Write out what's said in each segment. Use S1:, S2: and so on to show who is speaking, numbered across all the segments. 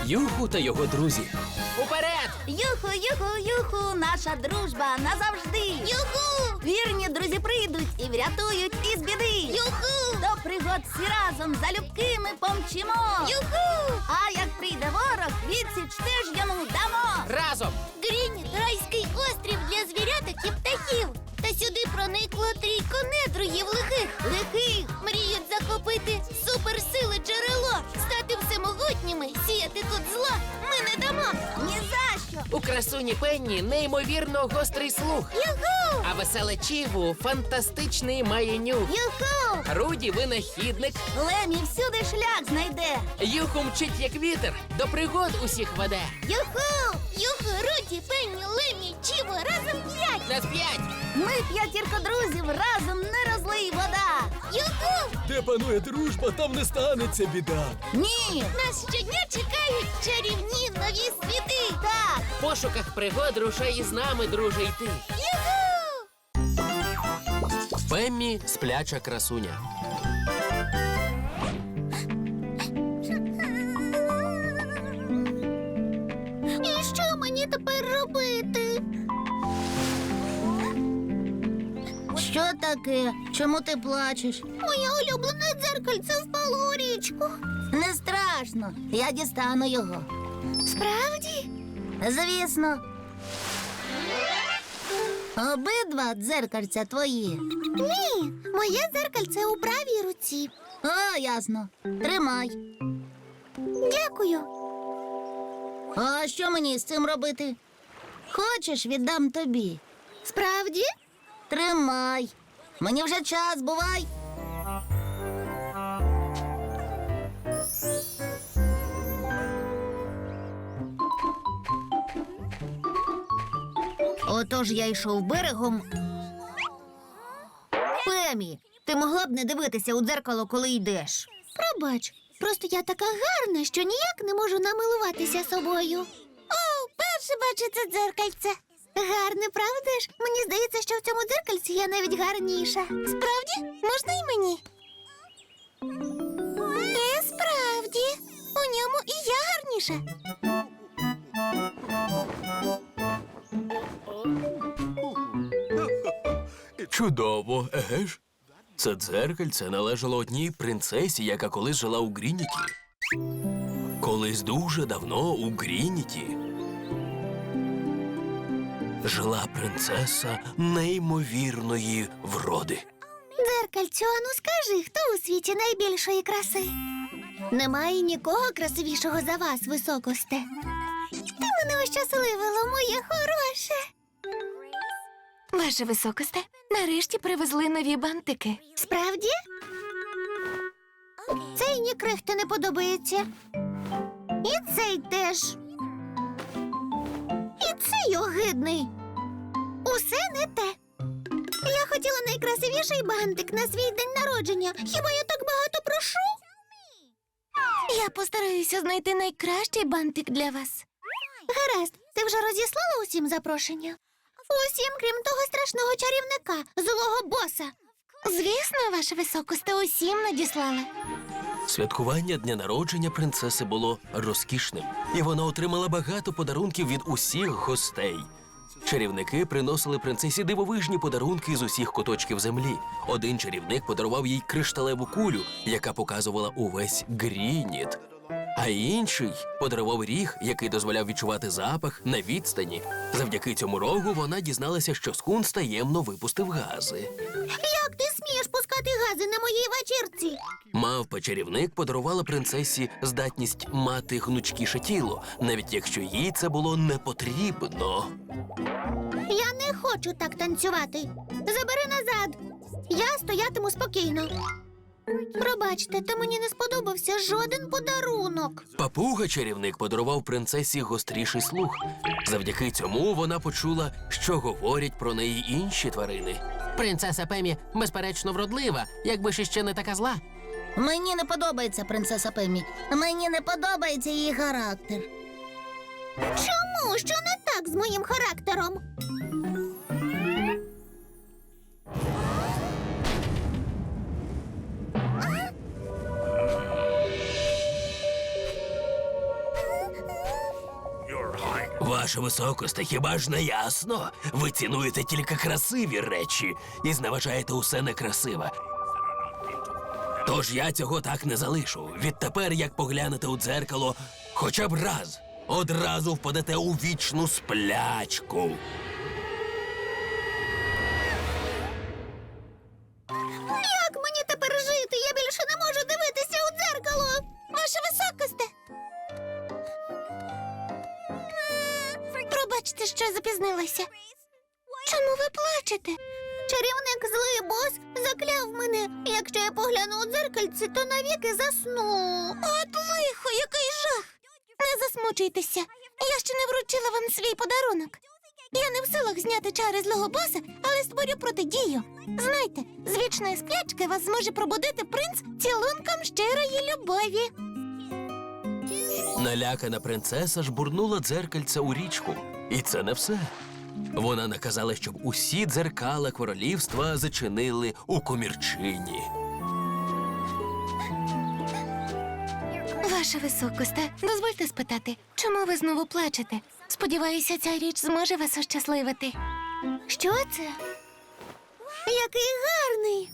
S1: Юху та його друзі. Уперед!
S2: Юху, юху, юху, наша дружба назавжди. Юху! Вірні друзі прийдуть і врятують із біди. Юху! До пригод всі разом залюбки ми помчимо. Юху! А як прийде ворог, відсіч теж йому дамо.
S1: Разом!
S3: Грініт – райський острів для звіряток і птахів. Та сюди проникло трійко недругів лихих.
S2: Лихих!
S3: Мріють захопити суперсили джерело, стати всемогутніми, сіяти тут зла ми не дамо.
S2: Ні за що!
S1: У красуні Пенні неймовірно гострий слух.
S3: Юху!
S1: А веселе Чіву фантастичний має нюх.
S2: Юху!
S1: Руді винахідник.
S2: Лемі всюди шлях знайде.
S1: Юху мчить як вітер, до пригод усіх веде.
S2: Юху!
S3: Юху, Руді, Пенні, Лемі, Чіво, разом 5!
S1: Нас 5!
S2: Ми п'ятірка друзів, разом не розлий вода.
S3: Юху!
S4: Де панує дружба, там не станеться біда.
S2: Ні!
S3: Нас щодня чекають чарівні нові світи!
S2: Так!
S1: В пошуках пригод рушай із нами, друже, йти.
S3: Юху!
S1: Пеммі – спляча красуня.
S3: І що мені тепер робити?
S2: Що таке? Чому ти плачеш?
S3: Моє улюблене дзеркальце впало у річку.
S2: Не страшно, я дістану його.
S3: Справді?
S2: Звісно. Обидва дзеркальця твої.
S3: Ні, моє дзеркальце у правій руці.
S2: О, ясно. Тримай.
S3: Дякую.
S2: А що мені з цим робити? Хочеш, віддам тобі.
S3: Справді?
S2: Тримай. Мені вже час, бувай. Отож я йшов берегом. Пемі, ти могла б не дивитися у дзеркало, коли йдеш.
S3: Пробач, просто я така гарна, що ніяк не можу намилуватися собою. О, перше бачу це дзеркальце. Гарне, правда ж? Мені здається, що в цьому дзеркальці я навіть гарніша. Справді? Можна й мені? Не справді. У ньому і я гарніша.
S4: Чудово, еге ж? Це дзеркальце належало одній принцесі, яка колись жила у Грініті. Колись дуже давно у Грініті жила принцеса неймовірної вроди.
S3: Дзеркальцю, ану скажи, хто у світі найбільшої краси? Немає нікого красивішого за вас, високосте. Ти мене ощасливило, моє хороше.
S5: Ваше високосте, нарешті привезли нові бантики.
S3: Справді? Цей ні крихти не подобається. І цей теж. І цей огидний. Усе не те. Я хотіла найкрасивіший бантик на свій день народження. Хіба я так багато прошу?
S5: Я постараюся знайти найкращий бантик для вас.
S3: Гаразд, ти вже розіслала усім запрошення? Усім, крім того страшного чарівника, злого боса.
S5: Звісно, ваше високосте, усім надіслала.
S4: Святкування дня народження принцеси було розкішним, і вона отримала багато подарунків від усіх гостей. Чарівники приносили принцесі дивовижні подарунки з усіх куточків землі. Один чарівник подарував їй кришталеву кулю, яка показувала увесь Грініт. А інший подарував ріг, який дозволяв відчувати запах на відстані. Завдяки цьому рогу вона дізналася, що скунс таємно випустив гази.
S3: Як ти смієш пускати гази на моїй вечірці?
S4: Мавпа-чарівник подарувала принцесі здатність мати гнучкіше тіло, навіть якщо їй це було не потрібно.
S3: Я не хочу так танцювати. Забери назад. Я стоятиму спокійно. Пробачте, та мені не сподобався жоден подарунок.
S4: Папуга-чарівник подарував принцесі гостріший слух. Завдяки цьому вона почула, що говорять про неї інші тварини.
S1: Принцеса Пемі, безперечно, вродлива, якби ж іще не така зла.
S2: Мені не подобається принцеса Пемі. Мені не подобається її характер.
S3: Чому? Що не так з моїм характером?
S4: Ваше високосте, хіба ж не ясно? Ви цінуєте тільки красиві речі і зневажаєте усе некрасиве. Тож я цього так не залишу. Відтепер, як поглянете у дзеркало, хоча б раз, одразу впадете у вічну сплячку.
S3: Як мені тепер жити? Я більше не можу дивитися у дзеркало. Ваше високосте.
S5: Пробачте, що запізнилася. Чому ви плачете?
S3: Чарівник злий бос закляв мене. Якщо я погляну у дзеркальце, то навіки засну.
S5: От лихо, який жах! Не засмучуйтеся. Я ще не вручила вам свій подарунок. Я не в силах зняти чари злого боса, але створю протидію. Знайте, з вічної сплячки вас зможе пробудити принц цілунком щирої любові.
S4: Налякана принцеса жбурнула дзеркальце у річку. І це не все. Вона наказала, щоб усі дзеркала королівства зачинили у комірчині.
S5: Ваше високосте, дозвольте спитати, чому ви знову плачете? Сподіваюся, ця річ зможе вас ощасливити.
S3: Що це? Який гарний.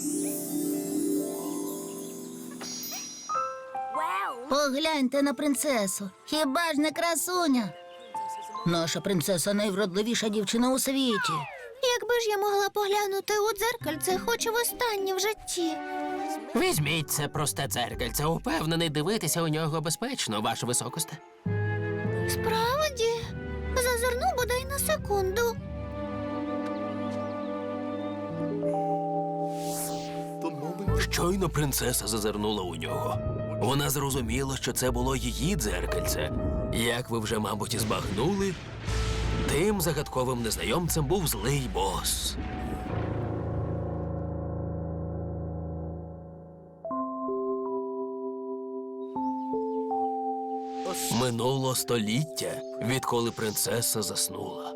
S2: Погляньте на принцесу. Хіба ж не красуня? Наша принцеса найвродливіша дівчина у світі.
S3: Якби ж я могла поглянути у дзеркальце, хоч востаннє в житті.
S1: Візьміть це просте дзеркальце. Упевнений, дивитися у нього безпечно, ваше високосте.
S3: Справді, зазирну бодай на секунду.
S4: Щойно принцеса зазирнула у нього. Вона зрозуміла, що це було її дзеркальце. Як ви вже, мабуть, і збагнули, тим загадковим незнайомцем був злий бос. Минуло століття, відколи принцеса заснула.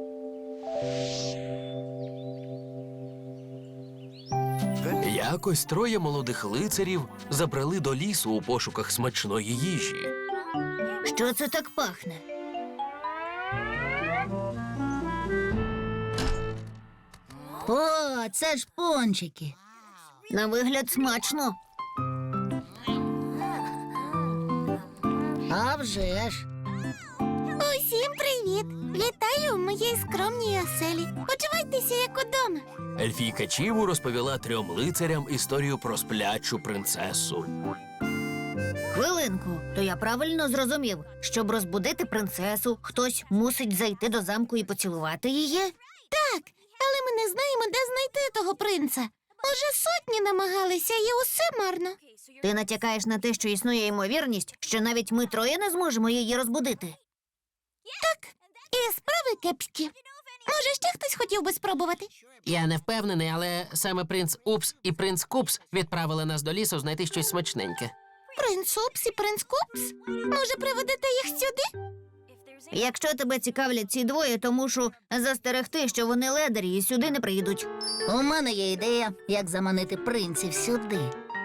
S4: Якось троє молодих лицарів забрали до лісу у пошуках смачної їжі.
S2: Що це так пахне? О, це ж пончики. На вигляд смачно. А вже ж.
S5: Усім привіт! Вітаю в моїй скромній оселі. Почувайтеся, як удома.
S4: Ельфійка Чіву розповіла трьом лицарям історію про сплячу принцесу.
S2: Хвилинку, то я правильно зрозумів, щоб розбудити принцесу, хтось мусить зайти до замку і поцілувати її?
S5: Так, але ми не знаємо, де знайти того принца. Уже сотні намагалися, і усе марно.
S2: Ти натякаєш на те, що існує ймовірність, що навіть ми троє не зможемо її розбудити.
S5: Так, і справи кепські. Може, ще хтось хотів би спробувати?
S1: Я не впевнений, але саме принц Упс і принц Купс відправили нас до лісу знайти щось смачненьке.
S5: Принц Упс і принц Купс? Може, приведете їх сюди?
S2: Якщо тебе цікавлять ці двоє, то мушу застерегти, що вони ледарі і сюди не прийдуть. У мене є ідея, як заманити принців сюди.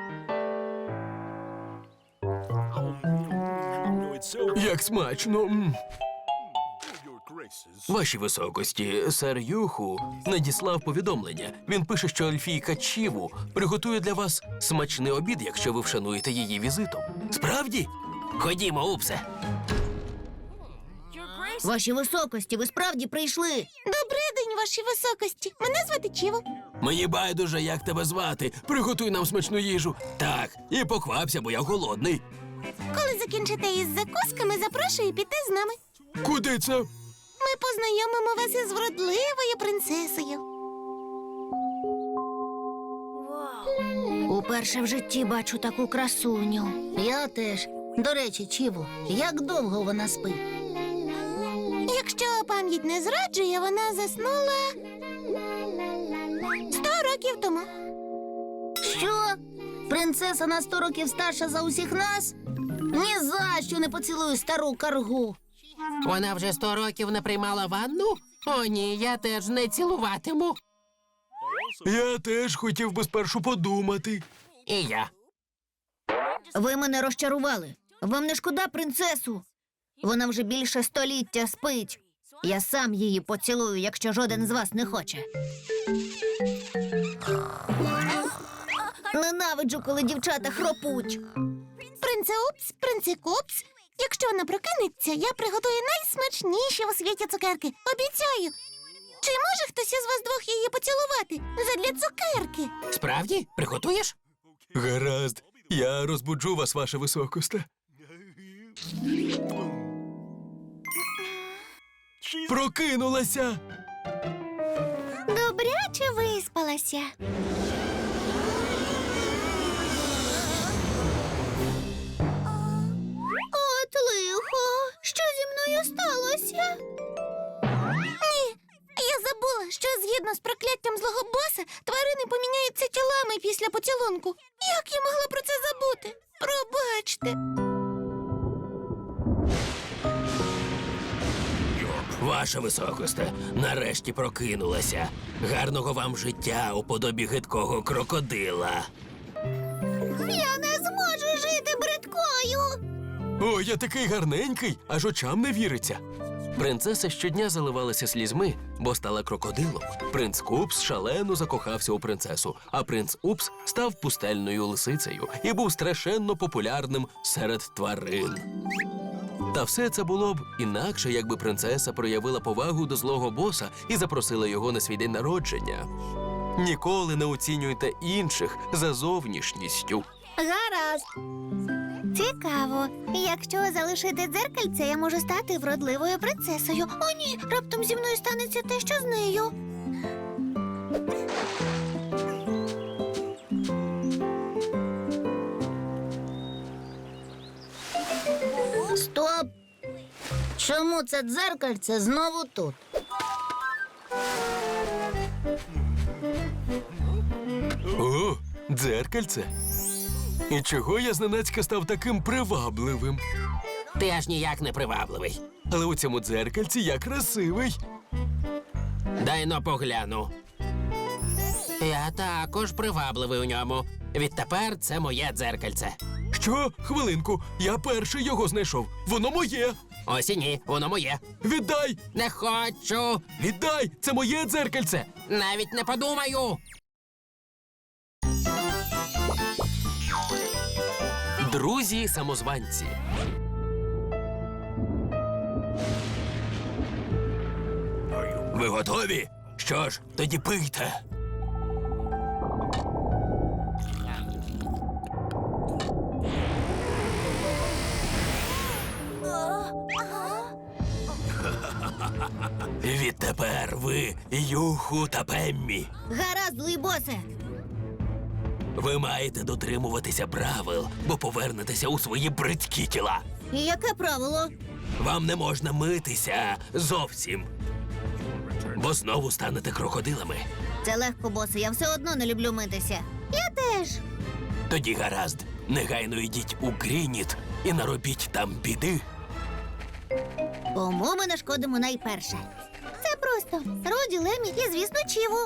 S4: Як смачно! Ваші високості, сер Юху надіслав повідомлення. Він пише, що Ельфійка Чіву приготує для вас смачний обід, якщо ви вшануєте її візитом. Справді? Ходімо, Упсе.
S2: Ваші високості, ви справді прийшли?
S5: Добрий день, ваші високості. Мене звати Чіво.
S4: Мені байдуже, як тебе звати. Приготуй нам смачну їжу. Так, і поквапся, бо я голодний.
S5: Коли закінчите із закусками, запрошую піти з нами.
S4: Куди це?
S5: Ми познайомимо вас із вродливою принцесою.
S2: Уперше в житті бачу таку красуню. Я теж. До речі, Чіву, як довго вона спить?
S5: Якщо пам'ять не зраджує, вона заснула 100 років тому.
S2: Що? Принцеса на 100 років старша за усіх нас? Ні за що не поцілую стару каргу.
S1: Вона вже 100 років не приймала ванну? О, ні, я теж не цілуватиму.
S4: Я теж хотів би спершу подумати.
S1: І я.
S2: Ви мене розчарували. Вам не шкода принцесу?
S3: Вона вже більше століття спить. Я сам її поцілую, якщо жоден з вас не хоче. Ненавиджу, коли дівчата хропуть.
S5: Принце Купс, якщо вона прокинеться, я приготую найсмачніші у світі цукерки. Обіцяю. Чи може хтось із вас двох її поцілувати? Задля цукерки.
S1: Справді? Приготуєш?
S4: Гаразд, я розбуджу вас, ваше високосте. Прокинулася!
S3: Добряче виспалася. От лихо, що зі мною сталося?
S5: Я забула, що згідно з прокляттям злого боса, тварини поміняються тілами після поцілунку. Як я могла про це забути? Пробачте.
S4: Ваше високосте, нарешті прокинулася. Гарного вам життя у подобі гидкого крокодила.
S3: Я не зможу жити бридкою.
S4: О, я такий гарненький, аж очам не віриться. Принцеса щодня заливалася слізьми, бо стала крокодилом. Принц Купс шалено закохався у принцесу, а принц Упс став пустельною лисицею і був страшенно популярним серед тварин. Та все це було б інакше, якби принцеса проявила повагу до злого боса і запросила його на свій день народження. Ніколи не оцінюйте інших за зовнішністю.
S3: Гаразд. Цікаво. Якщо залишити дзеркальце, я можу стати вродливою принцесою. О, ні, раптом зі мною станеться те, що з нею.
S2: Стоп! Чому це дзеркальце знову тут?
S4: О, дзеркальце. І чого я зненацька став таким привабливим?
S1: Ти аж ніяк не привабливий.
S4: Але у цьому дзеркальці я красивий.
S1: Дай но погляну. Я також привабливий у ньому. Відтепер це моє дзеркальце.
S4: Що? Хвилинку, я перший його знайшов. Воно моє.
S1: Ось і ні, воно моє.
S4: Віддай!
S1: Не хочу.
S4: Віддай! Це моє дзеркальце!
S1: Навіть не подумаю.
S4: Друзі-самозванці. Ви готові? Що ж, тоді пийте. Відтепер ви Юху та Пеммі.
S3: Гаразд, злий босе.
S4: Ви маєте дотримуватися правил, бо повернетеся у свої бридкі тіла.
S3: І яке правило?
S4: Вам не можна митися зовсім, бо знову станете крокодилами.
S3: Це легко, босе, я все одно не люблю митися. Я теж.
S4: Тоді гаразд, негайно йдіть у Грініт і наробіть там біди.
S3: Кому ми нашкодимо найперше? Це просто Роді, Лемі і, звісно, Чіву.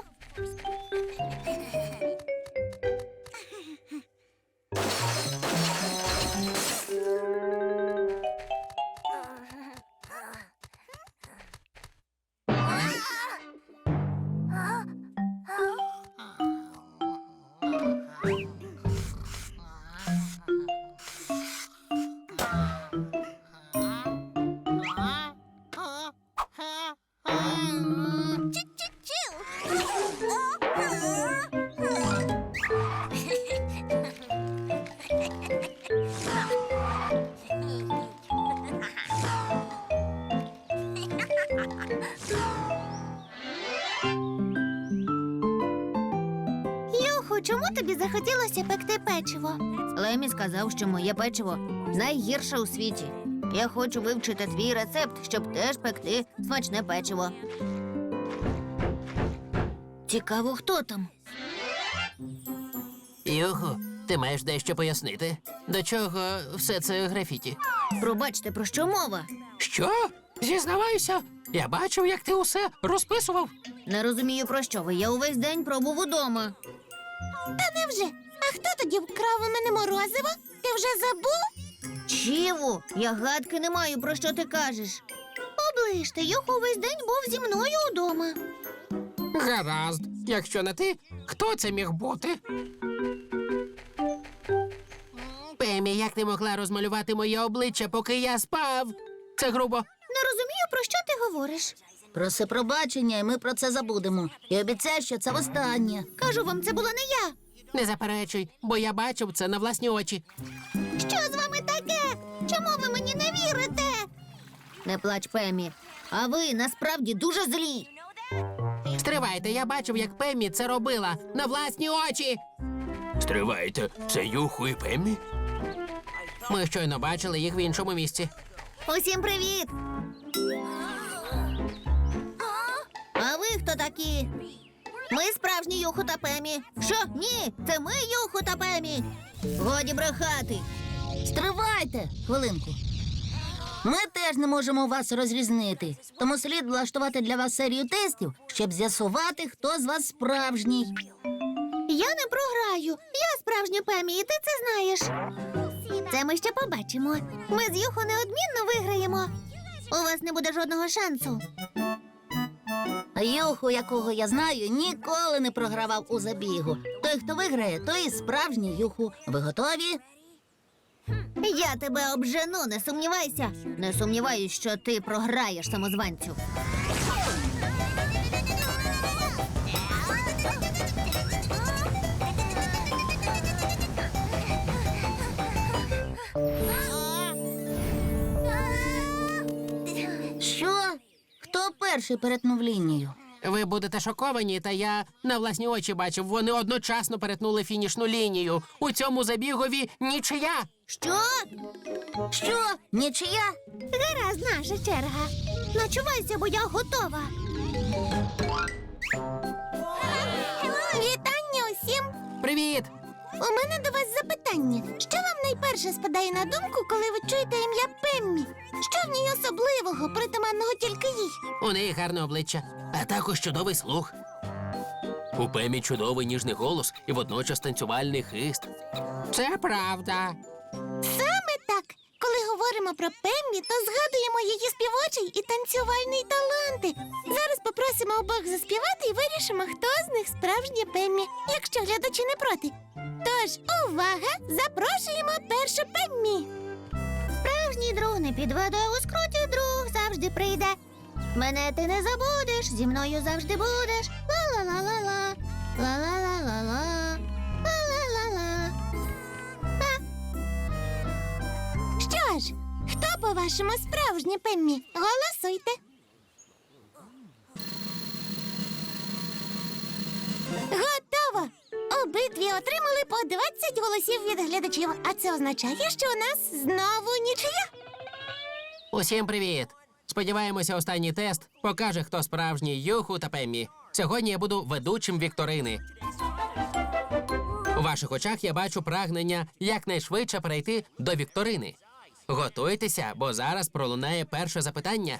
S3: Юху, чому тобі захотілося пекти печиво? Лемі сказав, що моє печиво найгірше у світі. Я хочу вивчити твій рецепт, щоб теж пекти смачне печиво. Цікаво, хто там?
S1: Юху, ти маєш дещо пояснити. До чого все це графіті?
S3: Пробачте, про що мова?
S1: Що? Зізнавайся, я бачив, як ти усе розписував.
S3: Не розумію, про що ви. Я увесь день пробув удома.
S5: Та невже? А хто тоді вкрав у мене морозиво? Ти вже забув?
S3: Чіву, я гадки не маю, про що ти кажеш. Оближте, Юху весь день був зі мною удома.
S1: Гаразд. Якщо не ти, хто це міг бути? Пемі, як ти могла розмалювати моє обличчя, поки я спав? Це грубо.
S3: Не розумію, про що ти говориш.
S2: Проси пробачення, і ми про це забудемо. І обіцяй, що це востаннє.
S3: Кажу вам, це була не я.
S1: Не заперечуй, бо я бачив це на власні очі.
S3: Що з вами таке? Чому ви мені не вірите?
S2: Не плач, Пемі. А ви насправді дуже злі.
S1: Стривайте, я бачив, як Пемі це робила на власні очі.
S4: Стривайте, це Юху і Пеммі?
S1: Ми щойно бачили їх в іншому місці.
S3: Усім привіт!
S2: А ви хто такі?
S3: Ми справжні Юху та Пемі.
S2: Що? Ні, це ми, Юху та Пемі. Годі брехати. Стривайте, хвилинку. Ми теж не можемо вас розрізнити, тому слід влаштувати для вас серію тестів, щоб з'ясувати, хто з вас справжній.
S3: Я не програю. Я справжня Пемі, і ти це знаєш. Це ми ще побачимо. Ми з Юху неодмінно виграємо. У вас не буде жодного шансу.
S2: Юху, якого я знаю, ніколи не програвав у забігу. Той, хто виграє, той і справжній Юху. Ви готові?
S3: Я тебе обжену, не сумнівайся.
S2: Не сумніваюсь, що ти програєш, самозванцю. Що? Хто перший перетнув лінію?
S1: Ви будете шоковані, та я на власні очі бачив, вони одночасно перетнули фінішну лінію. У цьому забігові нічия.
S2: Що? Що? Нічия?
S3: Гаразд, наша черга. Начувайся, бо я готова.
S5: Вітання усім!
S1: Привіт!
S5: У мене до вас запитання. Що вам найперше спадає на думку, коли ви чуєте ім'я Пеммі? Що в ній особливого, притаманного тільки їй?
S1: У неї гарне обличчя, а також чудовий слух.
S4: У Пеммі чудовий ніжний голос і водночас танцювальний хист.
S1: Це правда.
S5: Саме так. Коли говоримо про Пеммі, то згадуємо її співочий і танцювальний таланти. Зараз попросимо обох заспівати і вирішимо, хто з них справжня Пеммі, якщо глядачі не проти. Тож, увага! Запрошуємо першу Пеммі!
S3: Справжній друг не підведе, у скруті друг завжди прийде. Мене ти не забудеш, зі мною завжди будеш. Ла-ла-ла-ла-ла, ла-ла-ла-ла-ла, ла-ла-ла-ла.
S5: Що ж, хто, по-вашому, справжня Пеммі? Голосуйте. Готово! Обидві отримали по 20 голосів від глядачів, а це означає, що у нас знову нічия.
S1: Усім привіт! Сподіваємося, останній тест покаже, хто справжній Юху та Пеммі. Сьогодні я буду ведучим вікторини. У ваших очах я бачу прагнення якнайшвидше перейти до вікторини. Готуйтеся, бо зараз пролунає перше запитання.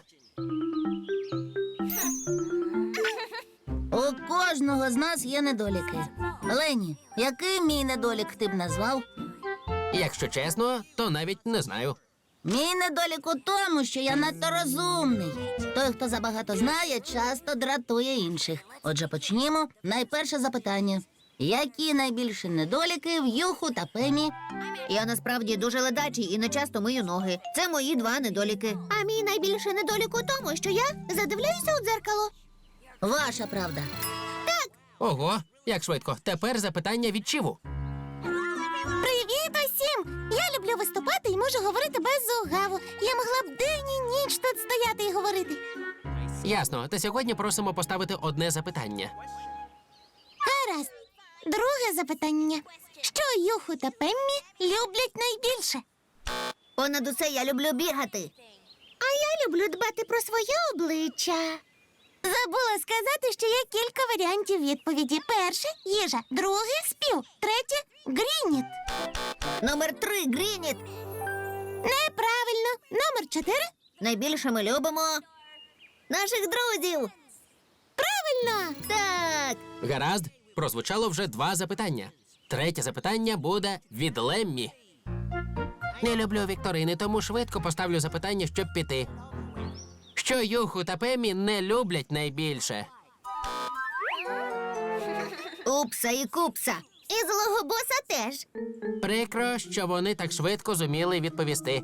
S2: У кожного з нас є недоліки. Лені, який мій недолік ти б назвав?
S1: Якщо чесно, то навіть не знаю.
S2: Мій недолік у тому, що я надто розумний. Той, хто забагато знає, часто дратує інших. Отже, почнімо. Найперше запитання. Які найбільші недоліки в Юху та Пемі?
S3: Я насправді дуже ледачий і не часто мию ноги. Це мої два недоліки. А мій найбільший недолік у тому, що я задивляюся у дзеркало.
S2: Ваша правда.
S1: Ого, як швидко. Тепер запитання від Чіву.
S5: Привіт усім! Я люблю виступати і можу говорити без угаву. Я могла б день і ніч тут стояти і говорити.
S1: Ясно, та сьогодні просимо поставити одне запитання.
S5: Гаразд. Друге запитання. Що Юху та Пеммі люблять найбільше?
S3: Понад усе я люблю бігати. А я люблю дбати про своє обличчя.
S5: Забула сказати, що є кілька варіантів відповіді. Перше – їжа, друге – спів, третє – грініт.
S3: Номер 3 – Грініт.
S5: Неправильно. Номер 4 –
S3: Найбільше ми любимо наших друзів.
S5: правильно.
S3: Так.
S1: Гаразд, прозвучало вже два запитання. Третє запитання буде від Леммі. Не люблю вікторини, тому швидко поставлю запитання, щоб піти. Що Юху та Пеммі не люблять найбільше?
S3: Упса і купса. І злого боса теж.
S1: Прикро, що вони так швидко зуміли відповісти.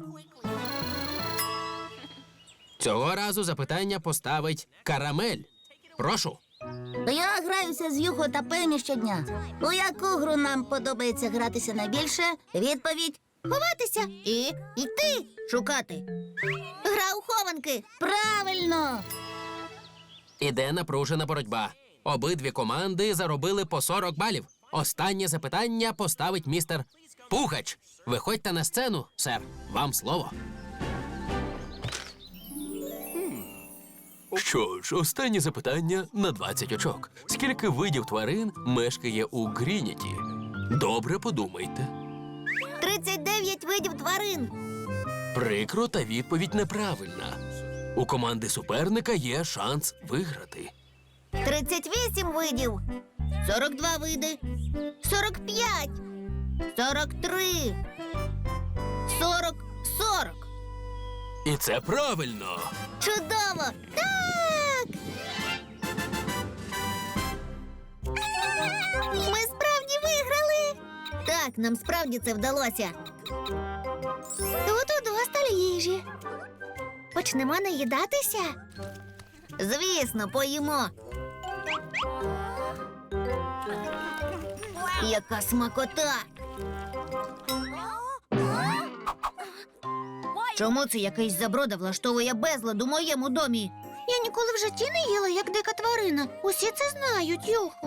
S1: Цього разу запитання поставить Карамель. Прошу.
S2: Я граюся з Юху та Пеммі щодня. У яку гру нам подобається гратися найбільше? Відповідь –
S3: Ховатися і йти шукати. Гра у хованки.
S2: правильно!
S1: Іде напружена боротьба. Обидві команди заробили по 40 балів. Останнє запитання поставить містер Пугач. Виходьте на сцену, сер. Вам слово.
S4: Що ж, останнє запитання на 20 очок. Скільки видів тварин мешкає у Грініті? Добре подумайте.
S3: 39 видів тварин.
S4: Прикро, та відповідь неправильна. У команди суперника є шанс виграти.
S3: 38 видів. 42 види. 45. 43. 40.
S4: І це правильно.
S3: Чудово! Так! Ми справді виграли! Так, нам справді це вдалося. Тут удосталь їжі. Почнемо наїдатися? Звісно, поїмо. Яка смакота! Чому це якийсь заброда влаштовує безлад у моєму домі? Я ніколи в житті не їла, як дика тварина. Усі це знають, Юху.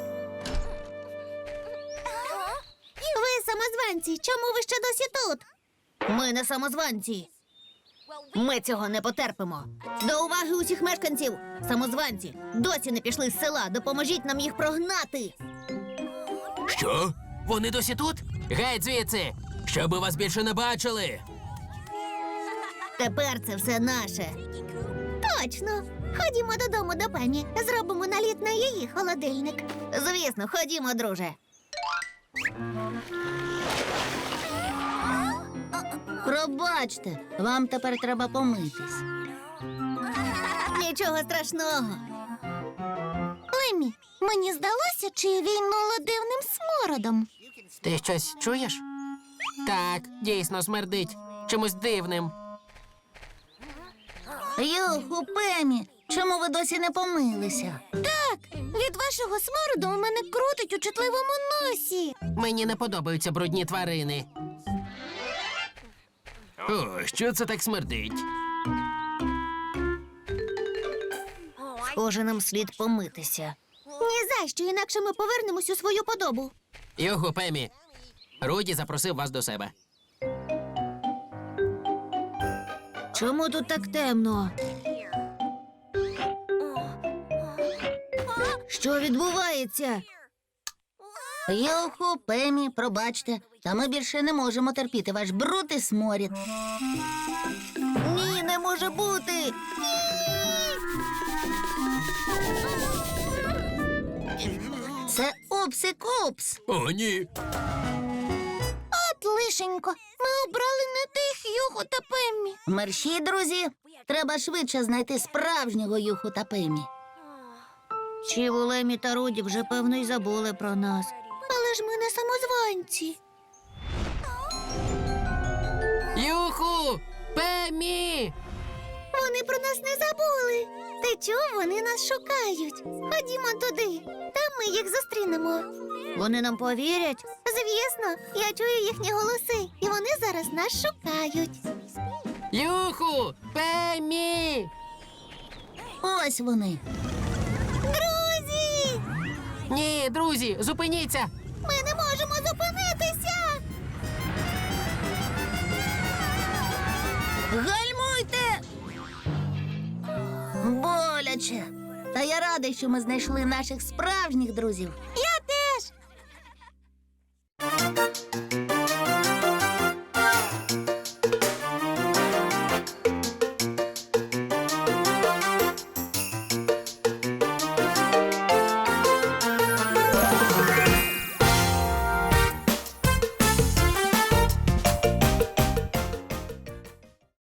S3: Ви самозванці, чому ви ще досі тут? Ми не самозванці. Ми цього не потерпимо. До уваги усіх мешканців! Самозванці, досі не пішли з села. Допоможіть нам їх прогнати.
S4: Що?
S1: Вони досі тут? Геть звідси! Щоби вас більше не бачили!
S3: Тепер це все наше. Точно. Ходімо додому до пані. Зробимо наліт на її холодильник. Звісно, ходімо, друже.
S2: Пробачте, вам тепер треба помитись.
S3: Нічого страшного.
S5: Лемі, мені здалося, чи війнуло дивним смородом.
S1: Ти щось чуєш? Так, дійсно смердить. Чимось дивним.
S2: Юху, Пеммі, чому ви досі не помилися?
S5: Так, від вашого смороду у мене крутить у чутливому носі.
S1: Мені не подобаються брудні тварини. О, що це так смердить?
S3: Схоже, нам слід помитися. Ні за що, інакше ми повернемось у свою подобу.
S1: Юху, Пеммі, Руді запросив вас до себе.
S3: Чому тут так темно? Що відбувається?
S2: Юху, Пеммі, пробачте, та ми більше не можемо терпіти ваш бруд і сморід.
S3: Ні, не може бути.
S2: Це упси-купс.
S4: О, ні.
S5: От лишенько, ми обрали не тих Юху та Пеммі.
S2: Мерщі, друзі, треба швидше знайти справжнього Юху та Пеммі.
S3: Чіву, Лемі та Руді вже, певно, й забули про нас. Але ж ми не самозванці.
S1: Юху! Пеммі!
S3: Вони про нас не забули. Ти чув, вони нас шукають. Ходімо туди, там ми їх зустрінемо. Вони нам повірять? Звісно, я чую їхні голоси, і вони зараз нас шукають.
S1: Юху! Пеммі!
S2: Ось вони.
S3: Друзі!
S1: Ні, друзі, зупиніться!
S3: Ми не можемо зупинитися!
S2: Гальмуйте! Боляче. Та я радий, що ми знайшли наших справжніх друзів.